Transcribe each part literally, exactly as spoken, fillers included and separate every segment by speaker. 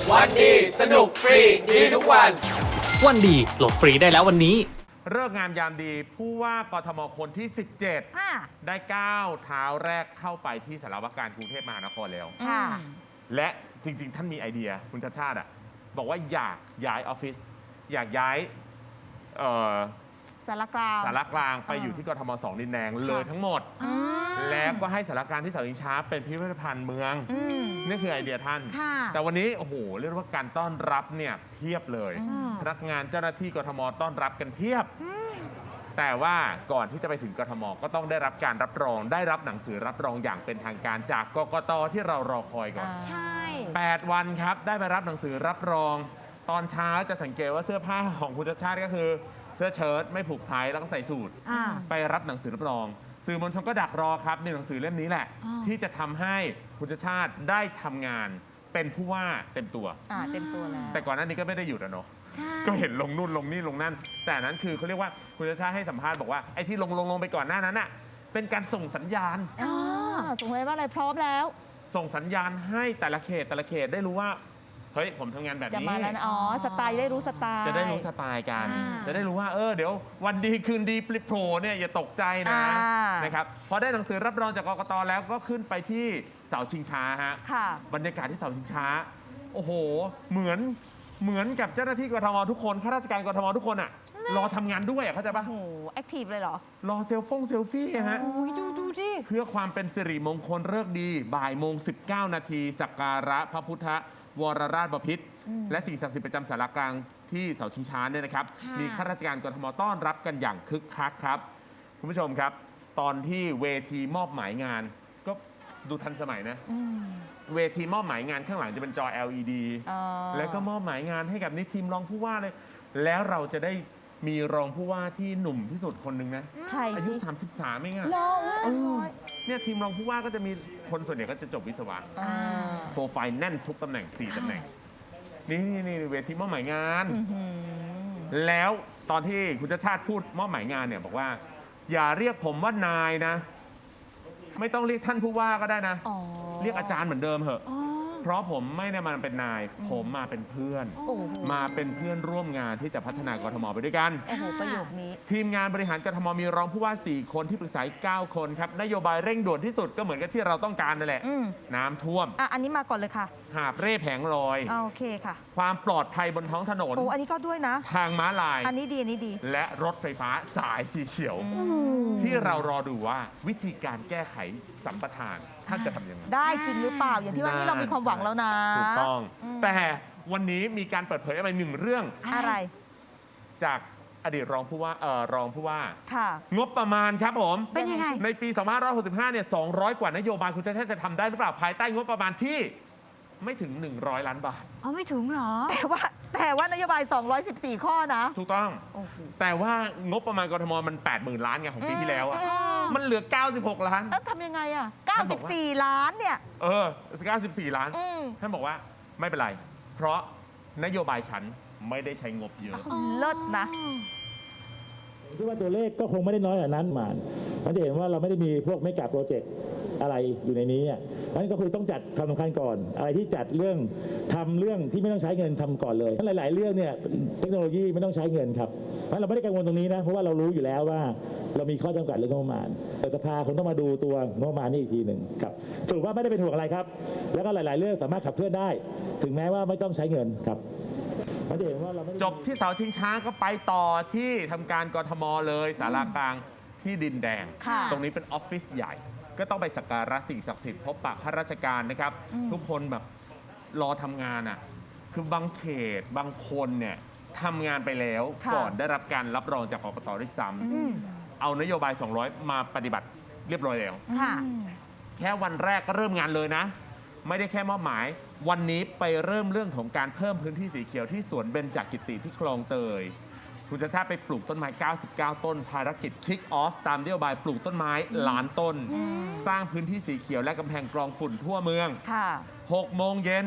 Speaker 1: วันดีสนุกฟรีดีทุกวัน
Speaker 2: วันดีโหลดฟรีได้แล้ววันนี้
Speaker 3: เลิกงามยามดีผู้ว่ากทมคนที่ สิบเจ็ด
Speaker 4: ค่ะ
Speaker 3: ได้ก้าวเท้าแรกเข้าไปที่สารวการกรุงเทพมหานครแล้ว
Speaker 4: ค่ะ
Speaker 3: และจริง ๆ ท่านมีไอเดียคุณชาติชาติอะบอกว่าอยากย้ายออฟฟิศอยากย้ายเอ่อ
Speaker 4: สารกลาง
Speaker 3: สารกลางไปอยู่ที่กทมสองดินแดงเลยทั้งหมด
Speaker 4: อืม
Speaker 3: แล้วก็ให้สารกลางที่เสาชิงช้าเป็นพิพิธภัณฑ์เมือง
Speaker 4: อืม
Speaker 3: นี่คือไอเดียท่าน
Speaker 4: ค่ะ
Speaker 3: แต่วันนี้โอ้โหเรียกว่าการต้อนรับเนี่ยเพียบเลย
Speaker 4: อืม
Speaker 3: พนักงานเจ้าหน้าที่กทมต้อนรับกันเพียบ แต่ว่าก่อนที่จะไปถึงกทมก็ต้องได้รับการรับรอง ได้รับหนังสือรับรองอย่างเป็นทางการจากกกตที่เรารอคอยก่อน
Speaker 4: ใช่
Speaker 3: แปด วันครับได้ไปรับหนังสือรับรอง ตอนเช้าจะสังเกตว่าเสื้อผ้าของคุณชาติชาติก็คือ เสื้อเชิ้ตไม่ผูกไทแล้วก็ใส่สูท
Speaker 4: อ่า
Speaker 3: ไปรับหนังสือรับรอง สื่อมวลชนก็ดักรอครับในหนังสือเล่มนี้แหละ
Speaker 4: อ่า
Speaker 3: ที่จะทำให้คุณชาติชาติได้ทำงานเป็นผู้ว่าเต็มตัว
Speaker 4: อ่าเต็มตัวแล้ว
Speaker 3: แต่ก่อนหน้านี้ก็ไม่ได้หยุดอะเนาะ
Speaker 4: ใช่
Speaker 3: ก็เห็นลงนู่นลงนี่ลงนั่น แต่อันนั้นคือเขาเรียกว่าคุณชาติชาติให้สัมภาษณ์บอกว่าไอ้ที่ลงลงลงไปก่อนหน้านั้นอะเป็นการส่งสัญญาณ
Speaker 4: อ๋อสงสัยว่าอะไรพร้อมแล้ว
Speaker 3: ส่งสัญญาณให้แต่ละเขตแต่ละเขตได้รู้ว่าเฮ้ยผมทำงานแบบ
Speaker 4: จะ
Speaker 3: นี้
Speaker 4: มาแล้วนะอ๋อ สไตล์ได้รู้สไตล์
Speaker 3: จะได้รู้สไตล์กัน
Speaker 4: อ่า
Speaker 3: จะได้รู้ว่าเออเดี๋ยววันดีคืนดีปลิโผล่เนี่ยอย่าตกใจนะ
Speaker 4: อ่า
Speaker 3: นะครับพอได้หนังสือรับรองจากกกตแล้วก็ขึ้นไปที่เสาชิงช้าฮะ
Speaker 4: ค่ะ
Speaker 3: บรรยากาศที่เสาชิงช้า โอ้โห เหมือนเหมือนกับเจ้าหน้าที่กทมทุกคนข้าราชการกทมทุกคนอะรอทำงานด้วยอะเข้าใจปะ
Speaker 4: โอ้โห แอคทีฟเลยเหรอ
Speaker 3: รอเซลฟงเซลฟี่ฮะ
Speaker 4: อุ้ยดูดูดิ
Speaker 3: เพื่อความเป็นสิริมงคลเลิกษ์ดี บ่ายโมง สิบเก้า นาทีสักการะพระพุทธวรราชบพิตรและสิ่งศักดิ์สิทธิ์ประจำสารกลางที่เสาชิงช้าเนี่ยนะครับ
Speaker 4: ค่ะ
Speaker 3: มีข้าราชการกทมต้อนรับกันอย่างคึกคักครับ คุณผู้ชมครับ ตอนที่เวทีมอบหมายงาน ก็ดูทันสมัยนะ
Speaker 4: อืม
Speaker 3: เวทีมอบหมายงานข้างหลังจะเป็นจอ แอล อี ดี
Speaker 4: อ๋อ
Speaker 3: แล้วก็มอบหมายงานให้กับนี่ทีมรองผู้ว่าเลย แล้วเราจะได้มีรองผู้ว่าที่หนุ่มที่สุดคนหนึ่งนะ
Speaker 4: ใคร
Speaker 3: อายุ
Speaker 4: สิ
Speaker 3: สามสิบสามเองอะ
Speaker 4: รอ
Speaker 3: เออเนี่ยทีมรองผู้ว่าก็จะมีคนส่วนใหญ่ก็จะจบวิศวะ
Speaker 4: อ่า
Speaker 3: โปรไฟล์แน่นทุกตำแหน่ง สี่ ตำแหน่ง นี่นี่นี่เวทีมอบหมายงาน
Speaker 4: อื้อหือ
Speaker 3: แล้วตอนที่คุณชาติชาติพูดมอบหมายงานเนี่ยบอกว่า อย่าเรียกผมว่านายนะ ไม่ต้องเรียกท่านผู้ว่าก็ได้นะ
Speaker 4: อ๋อ
Speaker 3: เรียกอาจารย์เหมือนเดิมเหอะ
Speaker 4: อ๋อ
Speaker 3: เพราะผมไม่ได้มาเป็นนาย ผมมาเป็นเพื่อน
Speaker 4: โอ้โห
Speaker 3: มาเป็นเพื่อนร่วมงานที่จะพัฒนากทมไปด้วยกัน
Speaker 4: โอ้โห ประโยคนี้
Speaker 3: ทีมงานบริหารกทมมีรองผู้ว่า สี่ คนที่ปรึกษาอีกเก้าคนครับ นโยบายเร่งด่วนที่สุดก็เหมือนกับที่เราต้องการนั่นแหละ
Speaker 4: อืม
Speaker 3: น้ำท่วม
Speaker 4: อ่ะ อันนี้มาก่อนเลยค่ะ
Speaker 3: หาบเร่แผงลอย
Speaker 4: อ่าโอเคค่ะ
Speaker 3: ความปลอดภัยบนท้องถนน
Speaker 4: โอ้ อันนี้ก็ด้วยนะ
Speaker 3: ทางม้าลาย
Speaker 4: อันนี้ดี อันนี้ดี
Speaker 3: และรถไฟฟ้าสายสีเขียว ที่เรารอดูว่าวิธีการแก้ไขสัมปทานท่านจะทำยังไง
Speaker 4: ได้จริงหรือเปล่า อย่างที่ว่านี่เรามีความหวังแล้วนะ
Speaker 3: ถูกต้อง
Speaker 4: อืม
Speaker 3: แต่วันนี้มีการเปิดเผยอะไรหนึ่งเรื่อง
Speaker 4: อะไร
Speaker 3: จากอดีตรองผู้ว่าเอ่อรองผู้ว่า
Speaker 4: ค่ะ
Speaker 3: งบประมาณครับผม
Speaker 4: เป็นยังไง
Speaker 3: ในปี สองพันห้าร้อยหกสิบห้า เนี่ย สองร้อย กว่านโยบายคุณชาติชาติจะทำได้หรือเปล่า ภายใต้งบประมาณที่ไม่ถึง หนึ่งร้อย ล้านบาท
Speaker 5: เอาไม่ถึงเหรอ
Speaker 4: แต่ว่าแต่ว่านโยบาย สองร้อยสิบสี่ ข้อนะ
Speaker 3: ถูกต้อง
Speaker 4: โอ้โห
Speaker 3: แต่ว่างบประมาณกทมมัน แปดหมื่น ล้านไงของปีที่แล้วอะ
Speaker 4: อืม
Speaker 3: มันเหลือ เก้าสิบหก ล้าน
Speaker 4: แล้วทำยังไงอ่ะ เก้าสิบสี่ ล้านเนี่ย
Speaker 3: เออเก้าสิบสี่ ล้าน
Speaker 4: อืม
Speaker 3: ท่านบอกว่าไม่เป็นไร เพราะนโยบายฉันไม่ได้ใช้งบเยอะ
Speaker 4: เลิศนะ
Speaker 6: ผมคิดว่าตัวเลขก็คงไม่ได้น้อยกว่านั้นหมานมันจะเห็นว่าเราไม่ได้มีพวกเมกะโปรเจกต์อะไรอยู่ในนี้อ่ะเพราะฉะนั้นก็คือต้องจัดความสำคัญก่อน อะไรที่จัดเรื่องทำเรื่องที่ไม่ต้องใช้เงินทำก่อนเลยหลาย ๆ เรื่องเนี่ยเทคโนโลยีไม่ต้องใช้เงินครับเพราะฉะนั้นเราไม่ได้กังวลตรงนี้นะเพราะว่าเรารู้อยู่แล้วว่าเรามีข้อจำกัดเรื่องงบประมาณแต่สภาคงต้องมาดูตัวงบประมาณนี่อีกทีหนึ่งครับสรุปว่าไม่ได้เป็นห่วงอะไรครับ แล้วก็หลาย ๆ เรื่องสามารถขับเคลื่อนได้ ถึงแม้ว่าไม่ต้องใช้เงินครับมันจะเห็นว่าเราไม่ได้
Speaker 3: จบที่เสาชิงช้าก็ไปต่อที่ทำการกทมเลยสารากลางที่ดินแดง
Speaker 4: ค่ะ
Speaker 3: ตรงนี้เป็นออฟฟิศใหญ่ ก็ต้องไปสักการะสิ่งศักดิ์สิทธิ์พบปะข้าราชการนะครับ ทุกคนแบบรอทำงานอ่ะคือบางเขตบางคนเนี่ยทำงานไปแล้ว
Speaker 4: ค่ะ
Speaker 3: ก่อนได้รับการรับรองจากกกตด้วยซ้
Speaker 4: อืม
Speaker 3: ำเอานโยบาย สองร้อย มาปฏิบัติเรียบร้อยแล้ว
Speaker 4: ค่ะ
Speaker 3: แค่วันแรกก็เริ่มงานเลยนะ ไม่ได้แค่มอบหมาย วันนี้ไปเริ่มเรื่องของการเพิ่มพื้นที่สีเขียวที่สวนเบญจกิติที่คลองเตย คุณชาติชาติไปปลูกต้นไม้ เก้าสิบเก้า ต้น ภารกิจ Kick Off ตามนโยบายปลูกต้นไม้ล้านต้น สร้างพื้นที่สีเขียวและกำแพงกรองฝุ่นทั่วเมือง
Speaker 4: ค่ะ
Speaker 3: หก โมงเย็น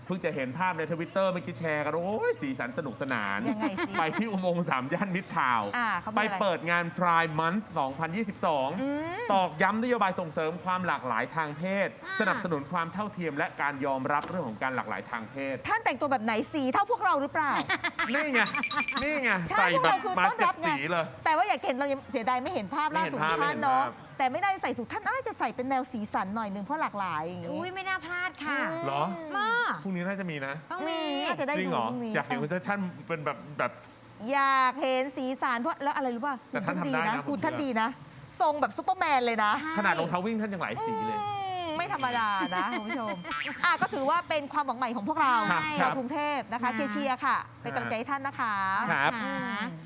Speaker 3: เพิ่งจะเห็นภาพในทวิตเตอร์เมื่อกี้แชร์กันโอ้ยสีสันสนุกสนาน
Speaker 4: ยังไงสิ
Speaker 3: ไปที่อุโมงค์สามย่านมิตรทาวน์
Speaker 4: อ่าเขามี
Speaker 3: ไป
Speaker 4: อะไร
Speaker 3: เปิดงาน Pride Month สองพันยี่สิบสอง
Speaker 4: อืม
Speaker 3: ตอกย้ำนโยบายส่งเสริมความหลากหลายทางเพศ
Speaker 5: อ่า
Speaker 3: สนับสนุนความเท่าเทียมและการยอมรับเรื่องของการหลากหลายทางเพศ
Speaker 4: ท่านแต่งตัวแบบไหนสีเท่าพวกเราหรือเปล่า
Speaker 3: นี่ไง นี่ไง
Speaker 4: ใช่
Speaker 3: ใส่
Speaker 4: พวก
Speaker 3: แบ
Speaker 4: เรา
Speaker 3: บ
Speaker 4: คือ
Speaker 3: มา
Speaker 4: ต้อน
Speaker 3: เจ็
Speaker 4: รั
Speaker 3: ด
Speaker 4: บไง
Speaker 3: สีเลย
Speaker 4: แต่ว่าอยากเห็นเรายังเสียดายไม่เห็นภาพล่าสุด
Speaker 3: ไม่เห็นภาพ
Speaker 4: ท่านเนาะ
Speaker 3: ไม่เห็นภาพ
Speaker 4: แต่ไม่ได้ใส่สูทท่านน่าจะใส่เป็นแนวสีสันหน่อยหนึงเพราะหลากหลายอย่าง
Speaker 5: อุ้ย
Speaker 4: งี้
Speaker 5: ไม่น่าพลาดค่ะ
Speaker 3: เหรอ
Speaker 4: มา
Speaker 3: พรุ่งนี้น่าจะมีนะ
Speaker 5: ต้องมี
Speaker 4: น่าจะได้
Speaker 3: จริง
Speaker 4: ดู
Speaker 3: เหรอ
Speaker 4: พรุ่งนี้
Speaker 3: อยากเห็นคุณชัดชาติเป็นแบบแบบ
Speaker 4: อยากเห็นสีสันเพราะแล้วอะไรรู้ป่ะ
Speaker 3: แต่ท่านทำได้นะผม
Speaker 4: หุ่นท่าน
Speaker 3: เชื่อ
Speaker 4: ดีนะ ทรงแบบซุปเปอร์แมนเลยนะ
Speaker 3: ขนาดรองเท้าวิ่งท่านยังหลายสีเลย
Speaker 4: อืมไม่ธรรมดานะคุณผู้ชมอ่ะก็ถือว่าเป็นความหวังใหม่ของพวกเรา
Speaker 3: ครับ
Speaker 4: ชาวกรุงเทพนะคะ
Speaker 5: ครับ
Speaker 4: เชียร์ๆค่ะ เป็นกำลังใจให้ท่านนะคะ
Speaker 3: ครับ
Speaker 5: ค่ะ